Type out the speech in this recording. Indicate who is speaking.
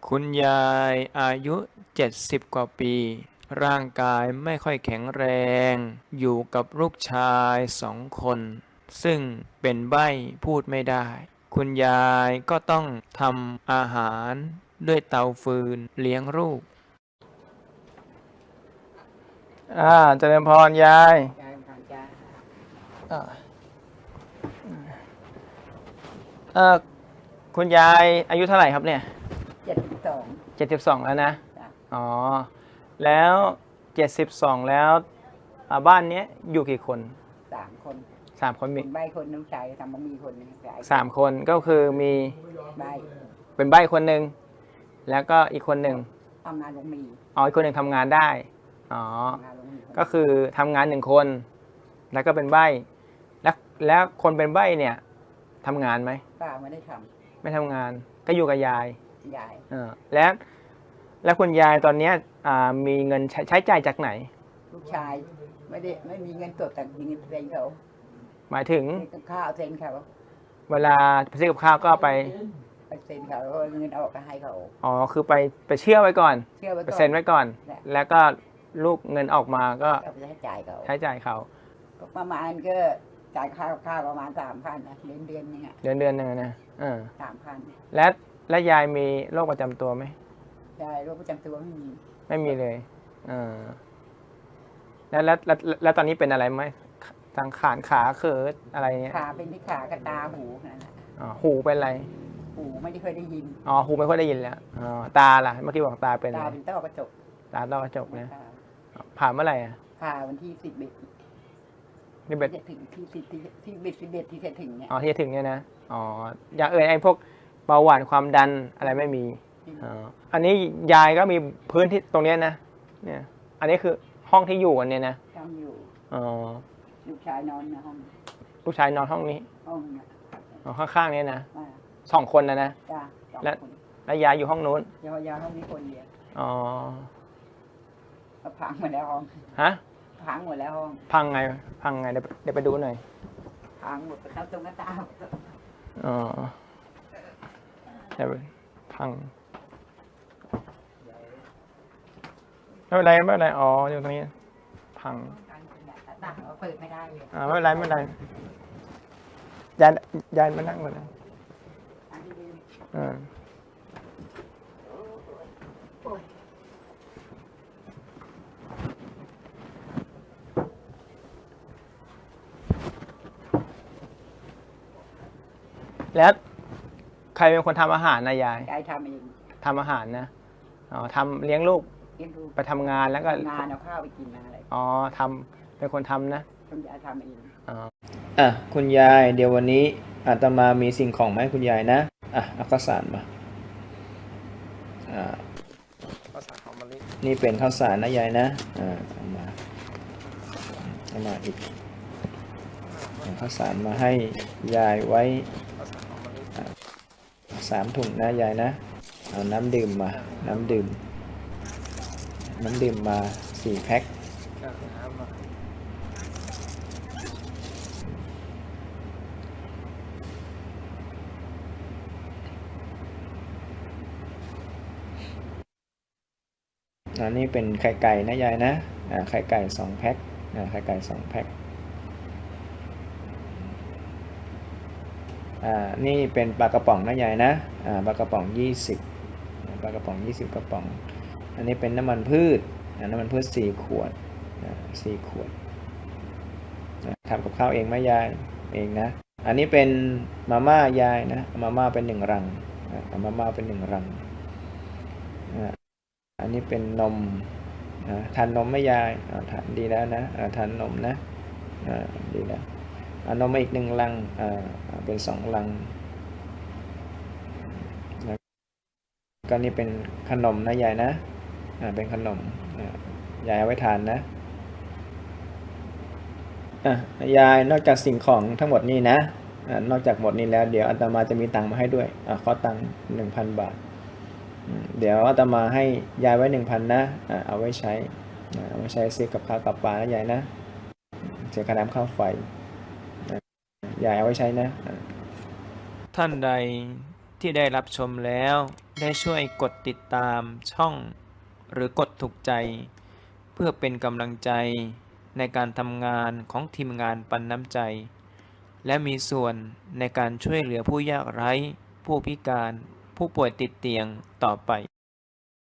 Speaker 1: คุณยายอายุ70กว่าปีร่างกายไม่ค่อยแข็งแรงอยู่กับลูกชาย2 คนซึ่งเป็นใบ้พูดไม่ได้คุณยายก็ต้องทำอาหารด้วยเตาฟืนเลี้ยงลูกเจริญพรยายอ่าคุณยายอายุเท่าไหร่ครับเนี่ย72แล้วนะอ๋อแล้ว72แล้วบ้านนี้อยู่กี่คน
Speaker 2: 3 คน
Speaker 1: 3 คนมี
Speaker 2: ใบคนน้ำใจทำบะหมี่คนนึง
Speaker 1: 3 คนก็คือมี
Speaker 2: ใบ
Speaker 1: เป็นใบ้คนหนึ่งแล้วก็อีกคนหนึ่ง
Speaker 2: ทำงานลงมี
Speaker 1: อีกคนหนึ่งทำงานได้อ๋อก็คือทำงาน1 คนแล้วก็เป็นใบ้แล้วคนเป็นใบ้เนี่ยทำงานไหม
Speaker 2: ป้าไม่ได้ท
Speaker 1: ไม่ทำงานก็อยู่กับยายแล้วคุณยายตอนนี้มีเงินใช้จ่ายจากไหน
Speaker 2: ลูกชายไม่มีเงินสดแต่มีเงินเซ็นเขา
Speaker 1: หมายถึง
Speaker 2: ข้าวเซ็นเขา
Speaker 1: เวลาไปซื้อกับข้าวก็ไป
Speaker 2: เซ็นเขาแล้วเงินออกก็ให้เขา
Speaker 1: คือไปเชื่อไว้ก่อนไปเซ็นไว้ก่อนแล้วก็ลูกเงินออกมาก็
Speaker 2: ใช้จ่าย
Speaker 1: เขา
Speaker 2: ประมาณก็จ่ายข้าวประมาณ3,000นะเดือนนึง
Speaker 1: เดือนนึงนะ
Speaker 2: 3,000
Speaker 1: และยายมีโรคประจำตัวไหม
Speaker 2: ยายโรคประจำตัว
Speaker 1: ไม่มีเลยแล้วตอนนี้เป็นอะไรไหมทางขาเขิดอะไรเงี้ย
Speaker 2: ขาเป็นที่ขากับตาหูนั่นแหละ
Speaker 1: หูเป็นอะไร
Speaker 2: หูไม่ได้เคยได้ยิน
Speaker 1: หูไม่ค่อยได้ยินแล้วตาล่ะเมื่อกี้บอกตาเป็น
Speaker 2: ตาเป็นต้อกระจก
Speaker 1: ต้อกระจกนะผ่าเมื่อไหร่
Speaker 2: ผ่าวันที่11
Speaker 1: นี่เบ็ด
Speaker 2: ถึงที่11ที่จะถึงเนี่ย
Speaker 1: ที่จะถึงเนี่ยนะอย่างไอ้พวกเบาหวานความดันอะไรไม่มีอันนี้ยายก็มีพื้นที่ตรงนี้นะเนี่ยอันนี้คือห้องที่อยู่กันเนี่ยนะ
Speaker 2: อยู่ลูกชายนอนในห้อง
Speaker 1: ลูกชายนอนห้องนี้ข้างๆนี้นะ2 คนนะ
Speaker 2: จ้ะ
Speaker 1: แล้วยายอยู่ห้องนู้น
Speaker 2: ยายห้องนี้คนเดียวพังหมดแล้วห้องพังหมดแล้วห้อง
Speaker 1: พังไงเดี๋ยวไปดูหน่อย
Speaker 2: พังหมดตรงหน้าต่าง
Speaker 1: เดี๋ยวพังไม่เป็นไรอยู่ตรงนี้พัง
Speaker 2: เปิดไม่ได้เลย
Speaker 1: ไม่เป็นไรยายมานั่งก่อนนะแล้วใครเป็นคนทำอาหารนะยาย
Speaker 2: ทำเอง
Speaker 1: ทำอาหารนะทำเลี้ยงลูกไปทำงานแล้วก็
Speaker 2: งานเอาข้าวไปกินอะไร
Speaker 1: เป็นคนทำนะ
Speaker 2: คุณยายทำเอง
Speaker 1: คุณยายเดี๋ยววันนี้อาตมามีสิ่งของมาให้คุณยายนะเอาข้าวสารมาข้าวสารหอมมะลินี่เป็นข้าวสารนะยายนะเอามาอีกข้าวสารมาให้ยายไว้3 ถุงนะยายนะเอาน้ำดื่มมา4 แพ็คอันนี้เป็นไข่ไก่นะยายนะไข่ไก่2 แพ็คไข่ไก่2 แพ็คนี่เป็นปลากระป๋องนะยายนะปลากระป๋อง20ปลากระป๋อง20 กระป๋องอันนี้เป็นน้ำมันพืช4 ขวด4 ขวดทำกับข้าวเองไหมยายเองนะอันนี้เป็นมาม่ายายนะมาม่าเป็น1 รังมาม่าเป็น1 รังอันนี้เป็นนมทานนมไหมยายทานดีแล้วนะทานนมนะดีแล้วนมมาอีก1 ลังเป็น2 ลังก็นี่เป็นขนมนะยายนะเป็นขนมยายเอาไว้ทานนะยายนอกจากสิ่งของทั้งหมดนี้นะนอกจากหมดนี้แล้วเดี๋ยวอาตมาจะมีตังค์มาให้ด้วยขอตังค์ 1,000 บาทเดี๋ยวอาตมาให้ยายไว้ 1,000 นะเอาไว้ใช้ซื้อกับข้าวกับปลานะยายนะเสียค่าน้ำค่าไฟยายเอาไว้ใช้นะท่านใดที่ได้รับชมแล้วได้ช่วยกดติดตามช่องหรือกดถูกใจ เพื่อเป็นกำลังใจในการทำงานของทีมงานปันน้ำใจ และมีส่วนในการช่วยเหลือผู้ยากไร้ผู้พิการผู้ป่วยติดเตียงต่อไป